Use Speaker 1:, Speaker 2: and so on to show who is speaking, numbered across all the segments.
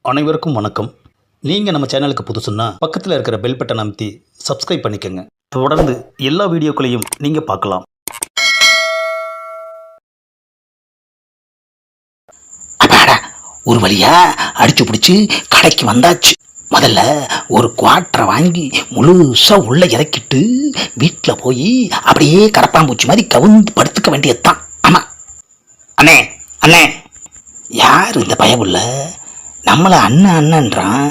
Speaker 1: அனைவருக்கும் வணக்கம். நீங்கள் நம்ம சேனலுக்கு புதுசுன்னா பக்கத்தில் இருக்கிற பெல் பட்டன் அமைத்தி சப்ஸ்கிரைப் பண்ணிக்கோங்க. தொடர்ந்து எல்லா வீடியோக்களையும் நீங்கள் பார்க்கலாம்.
Speaker 2: அப்பாடா, ஒரு வழியா அடிச்சு பிடிச்சி கடைக்கு வந்தாச்சு. முதல்ல ஒரு குவாட்டரை வாங்கி முழுசா உள்ள இறக்கிட்டு வீட்டில் போய் அப்படியே கரப்பாம்பூச்சி மாதிரி கவுந்து படுத்துக்க வேண்டியதுதான். ஆமா அண்ணே, அண்ணே யார் இந்த பயமுள்ள நம்மளை அண்ணன் அண்ணன்றான்?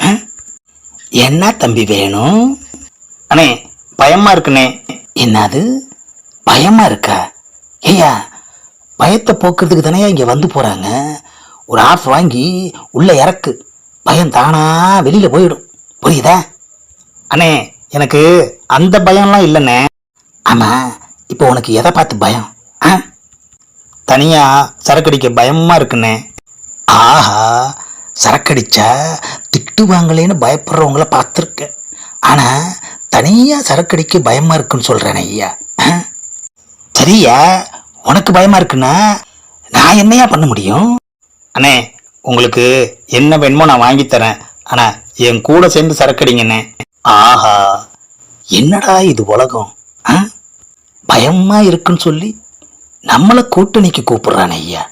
Speaker 2: என்ன தம்பி வேணும்?
Speaker 1: அண்ணே, பயமா இருக்குண்ணே.
Speaker 2: என்னது பயமா இருக்கா? ஐயா, பயத்தை போக்குறதுக்கு தானே இங்கே வந்து போகிறாங்க. ஒரு ஆஃப் வாங்கி உள்ளே இறக்கு, பயம் தானா வெளியில் போயிடும். புரியுதா?
Speaker 1: அண்ணே, எனக்கு அந்த பயம்லாம் இல்லைண்ணே.
Speaker 2: ஆமாம், இப்போ உனக்கு எதை பார்த்து பயம்?
Speaker 1: தனியாக சரக்கடிக்க பயமாக இருக்குண்ணே.
Speaker 2: ஆஹா, சரக்கடிச்சா திட்டுவாங்களேன்னு பயப்படுறவங்கள பார்த்துருக்கேன். ஆனால் தனியாக சரக்கடிக்க பயமாக இருக்குன்னு சொல்கிறேன் ஐயா. சரியா, உனக்கு பயமாக இருக்குன்னா நான் என்னையா பண்ண முடியும்?
Speaker 1: அண்ணே, உங்களுக்கு என்ன வேணுமோ நான் வாங்கித்தரேன். ஆனால் என் கூட சேர்ந்து சரக்கடிங்கண்ணே.
Speaker 2: ஆஹா, என்னடா இது உலகம்! பயமாக இருக்குன்னு சொல்லி நம்மளை கூட்டணிக்கு கூப்பிடுறான் ஐயா.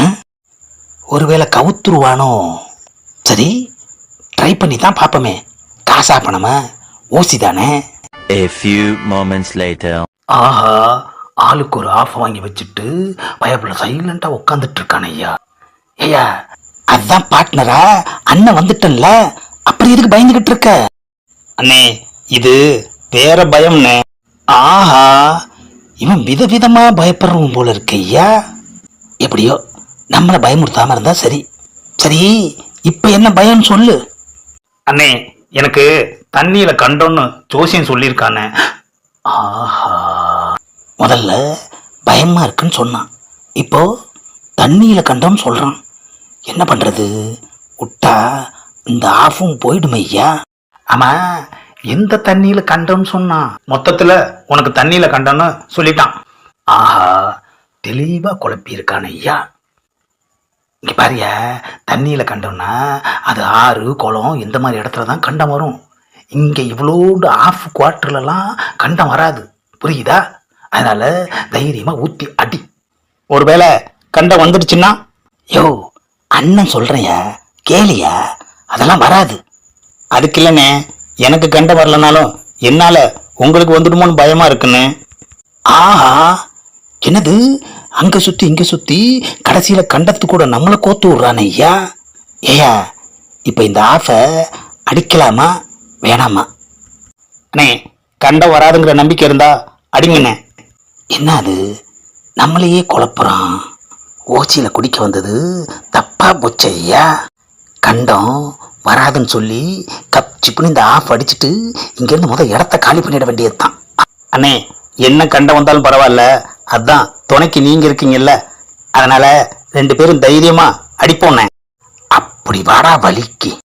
Speaker 2: ஒருவேளை கவுத்துருவானோ? சரி, ட்ரை பண்ணி தான் பார்ப்போமே. காசா பணமா ஓசி தானே?
Speaker 3: A few moments later.
Speaker 2: ஆஹா, ஆளுக்கு ஒரு ஆஃப் வாங்கி வச்சுட்டு பயப்புல சைலண்டா உட்காந்துட்டு இருக்கான ஐயா. ஐயா, அதான் பார்ட்னரா அண்ணன் வந்துட்டன்ல, அப்புறம் எதுக்கு பயந்துகிட்டு இருக்க?
Speaker 1: அண்ணே, இது வேற பயம்ண்ணே.
Speaker 2: ஆஹா, இவன் விதவிதமா பயப்படுறவன் போல இருக்கு ஐயா. எப்படியோ நம்மளை பயமுறுத்தாம இருந்தா சரி. சரி, இப்ப என்ன பயம்னு சொல்லு.
Speaker 1: அண்ணே, எனக்கு தண்ணியில கண்டோன்னு ஜோசியம் சொல்லியிருக்கானே.
Speaker 2: ஆஹா, முதல்ல பயமா இருக்குன்னு சொன்னான், இப்போ தண்ணியில கண்டோன்னு சொல்றான். என்ன பண்றது? விட்டா இந்த ஆஃபும் போயிடுமே ஐயா.
Speaker 1: ஆமா, எந்த தண்ணியில கண்டோன்னு சொன்னான்? மொத்தத்துல உனக்கு தண்ணியில கண்டோன்னு சொல்லிட்டான்.
Speaker 2: ஆஹா, தெளிவா குழப்பி இருக்கான ஐயா. இங்க பாரியா, தண்ணியில கண்டோம்னா அது ஆறு குளம் இந்த மாதிரி இடத்துல தான் கண்டம் வரும். இங்க இவ்வளோண்டு ஆஃப் குவார்டர்லாம் கண்டம் வராது. புரியுதா? அதனால தைரியமா ஊத்தி அடி.
Speaker 1: ஒருவேளை கண்டம் வந்துடுச்சுன்னா?
Speaker 2: யோ, அண்ணன் சொல்றேயா, கேளியா, அதெல்லாம் வராது.
Speaker 1: அதுக்கு இல்லைண்ணே, எனக்கு கண்டம் வரலனாலும் என்னால உங்களுக்கு வந்துடுமோன்னு பயமா இருக்குன்னு.
Speaker 2: ஆஹா, என்னது அங்க சுத்தி இங்க சுத்தி கடைசியில கண்டத்து கூட நம்மளை கோத்து விடுறானே ஐயா. ஏயா, இப்ப இந்த ஆஃபை அடிக்கலாமா வேணாமா?
Speaker 1: அண்ணே, கண்டம் வராதுங்கிற நம்பிக்கை இருந்தா அடிங்கண்ணே.
Speaker 2: என்ன அது, நம்மளையே குழப்புறான். ஓச்சியில குடிக்க வந்தது தப்பா போச்சு ஐயா. கண்டம் வராதுன்னு சொல்லி கப் சிப்புன்னு இந்த ஆஃப் அடிச்சுட்டு இங்கேருந்து முதல் இடத்த காலி பண்ணிட வேண்டியது தான்.
Speaker 1: அண்ணே, என்ன கண்டம் வந்தாலும் பரவாயில்ல, அதான் துணைக்கு நீங்க இருக்கீங்கல்ல, அதனால 2 பேரும் தைரியமா அடிப்போண்ணே.
Speaker 2: அப்படி வாடா வலிக்கு.